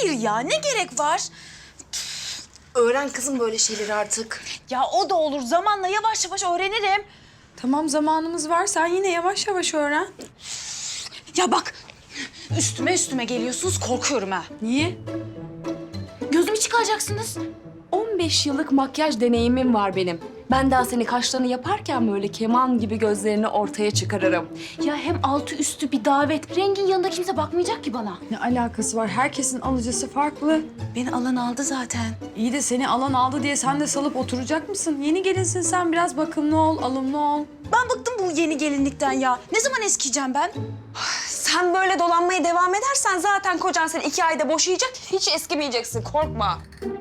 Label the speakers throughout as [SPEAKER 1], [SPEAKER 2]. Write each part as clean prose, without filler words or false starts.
[SPEAKER 1] Hayır ya, ne gerek var?
[SPEAKER 2] Öğren kızım böyle şeyleri artık.
[SPEAKER 1] Ya o da olur. Zamanla yavaş yavaş öğrenirim.
[SPEAKER 3] Tamam zamanımız var. Sen yine yavaş yavaş öğren.
[SPEAKER 1] Ya bak, üstüme geliyorsunuz. Korkuyorum ha.
[SPEAKER 3] Niye?
[SPEAKER 1] Gözümü çıkaracaksınız.
[SPEAKER 2] 15 yıllık makyaj deneyimim var benim. Ben daha seni kaşlarını yaparken böyle keman gibi gözlerini ortaya çıkarırım.
[SPEAKER 1] Ya hem altı üstü bir davet. Rengin yanında kimse bakmayacak ki bana.
[SPEAKER 3] Ne alakası var? Herkesin alıcısı farklı.
[SPEAKER 1] Beni alan aldı zaten.
[SPEAKER 3] İyi de seni alan aldı diye sen de salıp oturacak mısın? Yeni gelinsin sen, biraz bakımlı ol, alımlı ol.
[SPEAKER 1] Ben bıktım bu yeni gelinlikten ya. Ne zaman eskiyeceğim ben?
[SPEAKER 2] Sen böyle dolanmaya devam edersen zaten kocan seni 2 ayda boşayacak. Hiç eskimeyeceksin, korkma.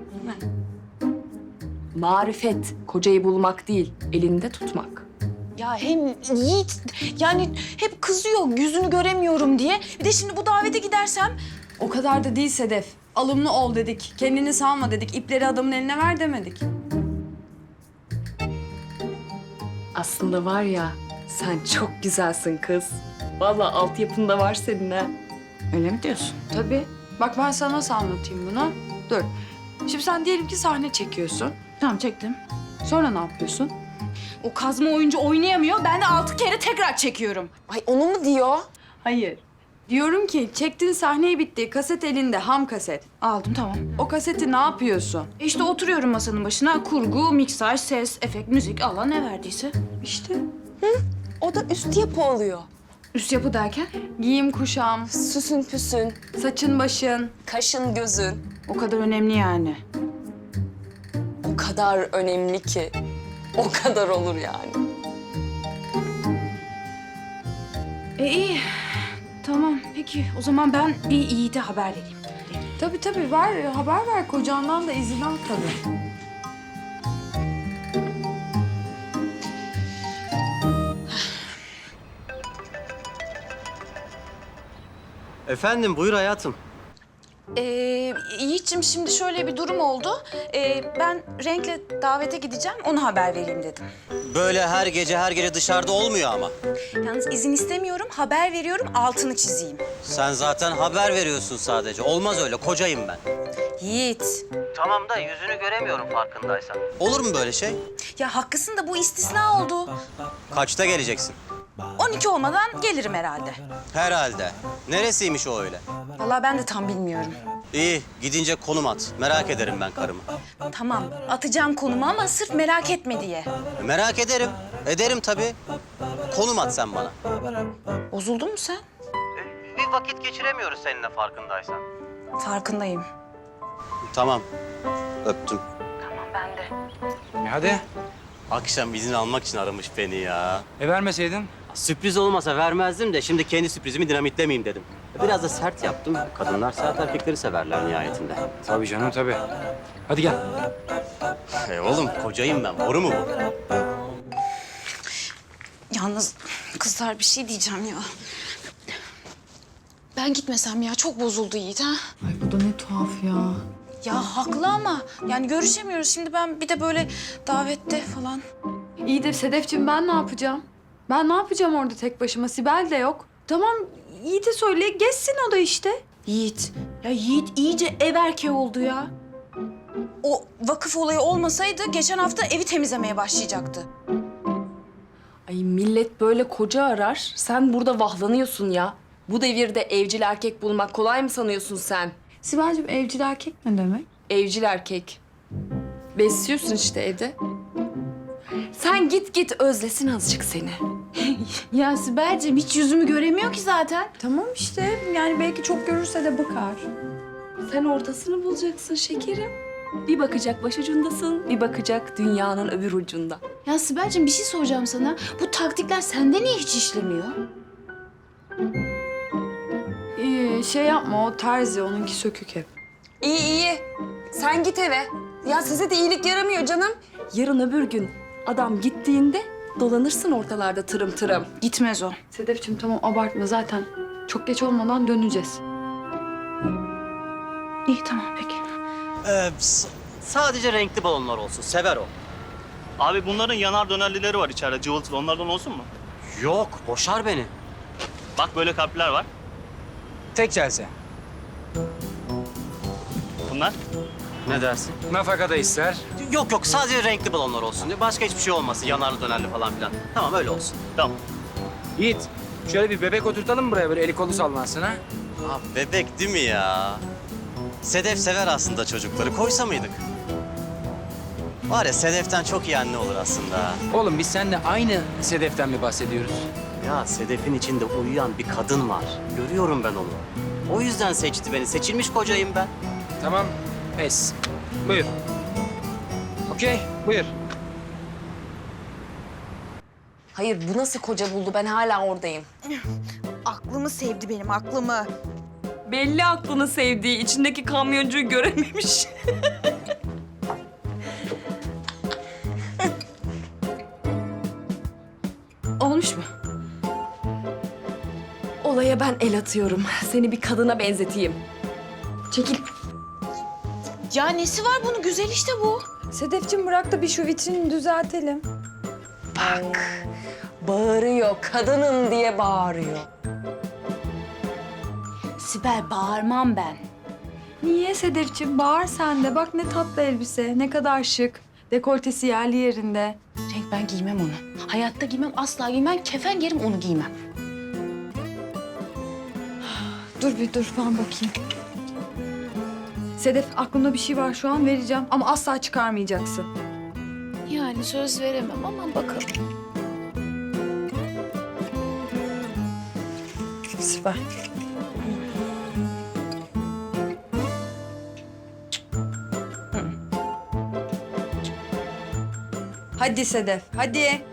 [SPEAKER 2] Marifet, kocayı bulmak değil, elinde tutmak.
[SPEAKER 1] Ya hem Yiğit yani hep kızıyor yüzünü göremiyorum diye. Bir de şimdi bu davete gidersem
[SPEAKER 3] O kadar da değil Sedef. Alımlı ol dedik, kendini salma dedik, ipleri adamın eline ver demedik.
[SPEAKER 2] Aslında var ya, sen çok güzelsin kız. Vallahi altyapında var senin ha.
[SPEAKER 1] öyle mi diyorsun?
[SPEAKER 3] Tabii. Bak ben sana nasıl anlatayım bunu? Dur. Şimdi sen diyelim ki sahne çekiyorsun.
[SPEAKER 1] Tamam çektim.
[SPEAKER 3] Sonra ne yapıyorsun?
[SPEAKER 1] O kazma oyuncu oynayamıyor. Ben de 6 kere tekrar çekiyorum.
[SPEAKER 2] Ay onu mu diyor?
[SPEAKER 3] Hayır. Diyorum ki çektiğin sahneyi bitti. Kaset elinde, ham kaset.
[SPEAKER 1] Aldım tamam.
[SPEAKER 3] O kaseti ne yapıyorsun?
[SPEAKER 1] İşte oturuyorum masanın başına. Kurgu, miksaj, ses, efekt, müzik Allah ne verdiyse.
[SPEAKER 3] İşte
[SPEAKER 2] O da üst yapı oluyor.
[SPEAKER 1] Üst yapı derken
[SPEAKER 3] giyim kuşam,
[SPEAKER 2] Süsün püsün,
[SPEAKER 3] saçın başın.
[SPEAKER 2] kaşın gözün.
[SPEAKER 1] o kadar önemli yani.
[SPEAKER 2] O kadar önemli ki. O kadar olur yani.
[SPEAKER 1] İyi. Tamam peki o zaman ben bir Yiğit'e haber vereyim.
[SPEAKER 3] Tabii tabii ver, haber ver kocandan da izin al tabii.
[SPEAKER 4] Efendim, buyur hayatım.
[SPEAKER 1] Yiğit'ciğim şimdi şöyle bir durum oldu. Ben Renk'le davete gideceğim, ona haber vereyim dedim.
[SPEAKER 4] Böyle her gece dışarıda olmuyor ama.
[SPEAKER 1] Yalnız izin istemiyorum, haber veriyorum, altını çizeyim.
[SPEAKER 4] Sen zaten haber veriyorsun sadece. Olmaz öyle, kocayım ben.
[SPEAKER 1] Yiğit,
[SPEAKER 4] Tamam da yüzünü göremiyorum farkındaysan. Olur mu böyle şey?
[SPEAKER 1] ya haklısın da bu istisna oldu.
[SPEAKER 4] Kaçta geleceksin?
[SPEAKER 1] 12 olmadan gelirim herhalde.
[SPEAKER 4] Herhalde. Neresiymiş o öyle?
[SPEAKER 1] Vallahi ben de tam bilmiyorum.
[SPEAKER 4] İyi, gidince konum at. Merak ederim ben karımı.
[SPEAKER 1] Tamam, atacağım konumu ama sırf merak etme diye.
[SPEAKER 4] Merak ederim. Ederim tabii. Konum at sen bana.
[SPEAKER 1] Bozuldun mu sen?
[SPEAKER 4] Bir vakit geçiremiyoruz seninle farkındaysan.
[SPEAKER 1] Farkındayım.
[SPEAKER 4] Tamam. Öptüm.
[SPEAKER 5] Hadi.
[SPEAKER 4] Akşam izin almak için aramış beni ya.
[SPEAKER 5] Vermeseydin.
[SPEAKER 4] Sürpriz olmasa vermezdim de şimdi kendi sürprizimi dinamitlemeyeyim dedim. Biraz da sert yaptım. Kadınlar sert erkekleri severler nihayetinde.
[SPEAKER 5] Tabii canım tabii. Hadi gel.
[SPEAKER 4] Oğlum kocayım ben. Boru mu bu?
[SPEAKER 1] Yalnız kızlar bir şey diyeceğim ya. Ben gitmesem ya, çok bozuldu Yiğit ha.
[SPEAKER 3] Ay bu da ne tuhaf ya.
[SPEAKER 1] Ya haklı ama yani görüşemiyoruz. Şimdi ben bir de böyle davette falan.
[SPEAKER 3] İyi de Sedefciğim ben ne yapacağım? Ben ne yapacağım orada tek başıma? Sibel de yok. Tamam Yiğit'e söyle geçsin o da işte.
[SPEAKER 1] Yiğit, ya Yiğit iyice ev erkeği oldu ya. O vakıf olayı olmasaydı geçen hafta evi temizlemeye başlayacaktı.
[SPEAKER 2] Ay millet böyle koca arar. Sen burada vahlanıyorsun ya. Bu devirde evcil erkek bulmak kolay mı sanıyorsun sen?
[SPEAKER 3] Sibel'cim evcil erkek ne demek?
[SPEAKER 2] Evcil erkek. Besliyorsun işte evde. Sen git özlesin azıcık seni.
[SPEAKER 1] Ya Sibel'ciğim hiç yüzümü göremiyor ki zaten.
[SPEAKER 3] Tamam işte yani belki çok görürse de bakar.
[SPEAKER 2] Sen ortasını bulacaksın şekerim. Bir bakacak başucundasın, bir bakacak dünyanın öbür ucunda.
[SPEAKER 1] Ya Sibel'ciğim bir şey soracağım sana. Bu taktikler sende niye hiç işlemiyor?
[SPEAKER 3] Şey yapma o terzi onunki sökük hep.
[SPEAKER 2] İyi. Sen git eve. Ya size de iyilik yaramıyor canım. Yarın öbür gün adam gittiğinde dolanırsın ortalarda tırım tırım.
[SPEAKER 1] Gitmez o.
[SPEAKER 3] Sedefciğim tamam abartma zaten çok geç olmadan döneceğiz.
[SPEAKER 1] İyi tamam peki.
[SPEAKER 4] Sadece renkli balonlar olsun. Sever o.
[SPEAKER 6] Abi bunların yanar dönerlileri var içeride cıvıltılı. Onlardan olsun mu?
[SPEAKER 4] Yok, boşar beni.
[SPEAKER 6] Bak böyle kalpler var.
[SPEAKER 5] Tek celse.
[SPEAKER 6] balonlar?
[SPEAKER 4] Ne dersin?
[SPEAKER 5] Nafaka da ister.
[SPEAKER 4] Yok yok, sadece renkli balonlar olsun diye. Başka hiçbir şey olmasın, yanarlı dönerli falan filan. Tamam, öyle olsun.
[SPEAKER 6] Tamam.
[SPEAKER 5] Yiğit, şöyle bir bebek oturtalım mı buraya böyle eli kolu sallansın ha?
[SPEAKER 4] Abi bebek değil mi ya? Sedef sever aslında çocukları. Koysa mıydık? Var ya, Sedef'ten çok iyi anne olur aslında.
[SPEAKER 5] Oğlum biz seninle aynı Sedef'ten mi bahsediyoruz?
[SPEAKER 4] Ya Sedef'in içinde uyuyan bir kadın var. Görüyorum ben onu. O yüzden seçti beni. Seçilmiş kocayım ben.
[SPEAKER 5] Tamam, pes. Buyur. Okey, buyur.
[SPEAKER 2] Hayır bu nasıl koca buldu? Ben hala oradayım.
[SPEAKER 1] Aklımı sevdi benim, aklımı.
[SPEAKER 2] Belli aklını sevdiği, içindeki kamyoncuyu görememiş.
[SPEAKER 1] Olmuş mu?
[SPEAKER 2] Olaya ben el atıyorum. Seni bir kadına benzeteyim. Çekil.
[SPEAKER 1] Ya nesi var bunun? Güzel işte bu.
[SPEAKER 3] Sedefciğim bırak da bir şu vitrini düzeltelim.
[SPEAKER 2] Bak. Bağırıyor. Kadınım diye bağırıyor.
[SPEAKER 1] Sibel, bağırmam ben.
[SPEAKER 3] Niye Sedefciğim? Bağır sen de. Bak ne tatlı elbise, ne kadar şık. Dekoltesi yerli yerinde.
[SPEAKER 1] Cenk, ben giymem onu. Hayatta giymem, asla giymem. Kefen giyerim, onu giymem.
[SPEAKER 3] Dur bir dur ben bakayım. Sedef aklımda bir şey var şu an vereceğim ama asla çıkarmayacaksın.
[SPEAKER 1] Yani söz veremem ama bakalım.
[SPEAKER 3] Süper. Hadi Sedef, hadi.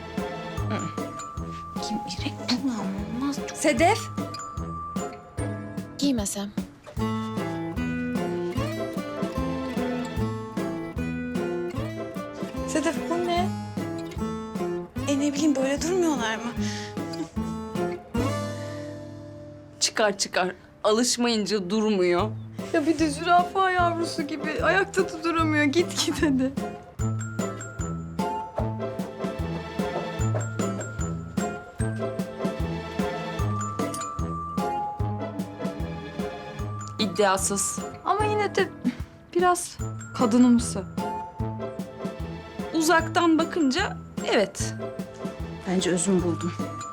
[SPEAKER 1] Kim irek bu olmaz.
[SPEAKER 3] Sedef.
[SPEAKER 1] Giymesem.
[SPEAKER 3] Sedef bu ne?
[SPEAKER 1] Ne bileyim, böyle durmuyorlar mı?
[SPEAKER 2] Çıkar çıkar. Alışmayınca durmuyor.
[SPEAKER 3] Ya bir de zürafa yavrusu gibi ayakta da duramıyor. Git git hadi.
[SPEAKER 2] İddiasız.
[SPEAKER 3] Ama yine de biraz kadınımsı.
[SPEAKER 2] Uzaktan bakınca evet.
[SPEAKER 1] Bence özüm buldum.